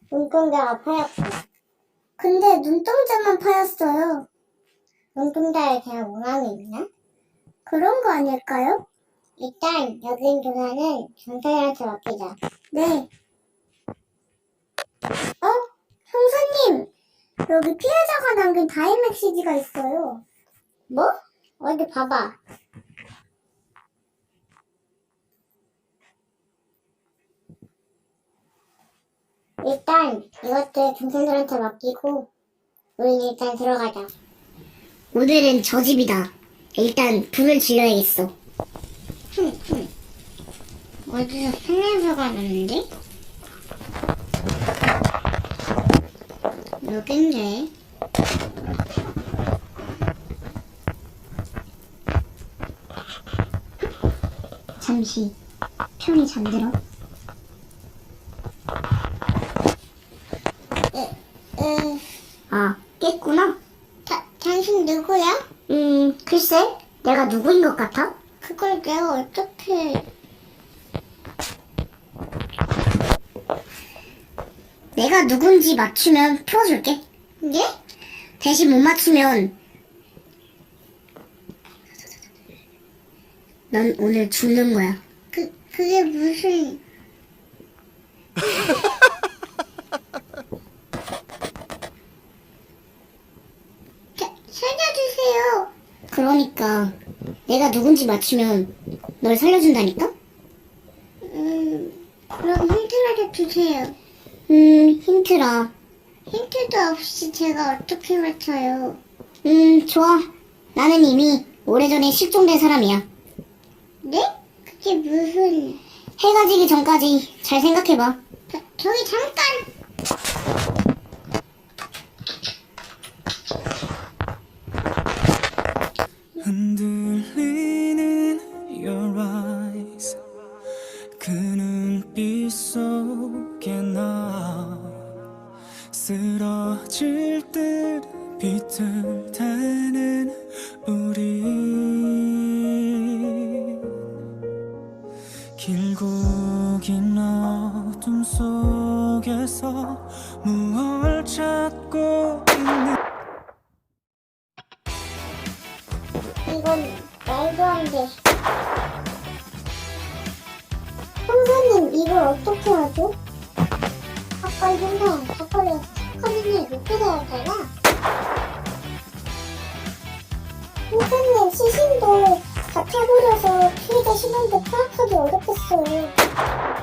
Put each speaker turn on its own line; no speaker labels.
눈동자가 파였고. 근데 눈동자만 파였어요. 눈동자에 그냥 원함이 있나? 그런 거 아닐까요? 일단 여긴 조사는 경찰한테 맡기자. 네. 형사님! 여기 피해자가 남긴 다임 메시지가 있어요. 뭐? 어디 봐봐. 일단 이것들 경찰들한테 맡기고 우린 일단 들어가자. 오늘은 저 집이다. 일단 불을 질러야겠어. 어디서 생냄새가 나는데? 여긴데? 잠시 편히 잠들어. 아, 깼구나? 당신 누구야? 글쎄, 내가 누구인 것 같아? 그걸 내가 어떻게... 내가 누군지 맞추면 풀어줄게. 예? 대신 못 맞추면 넌 오늘 죽는 거야. 그게 무슨... 살려주세요. 그러니까 내가 누군지 맞추면 널 살려준다니까? 그럼 힌트라도 주세요. 힌트라. 힌트도 없이 제가 어떻게 맞춰요? 좋아. 나는 이미 오래전에 실종된 사람이야. 네? 그게 무슨... 해가 지기 전까지 잘 생각해봐. 저기 잠깐!
흔들리는 your eyes 그 눈빛 속에 나 쓰러질 듯 비틀대는 우리 길고 긴 어둠 속에서 무얼 찾고 있는
이건 말도 안 돼. 형사님, 이걸 어떻게 하죠? 아까 형사 사건에서 착하는 높게 나왔잖아. 형사님, 시신도 다 타버려서 피해자 신원도 파악하기 어렵겠어요.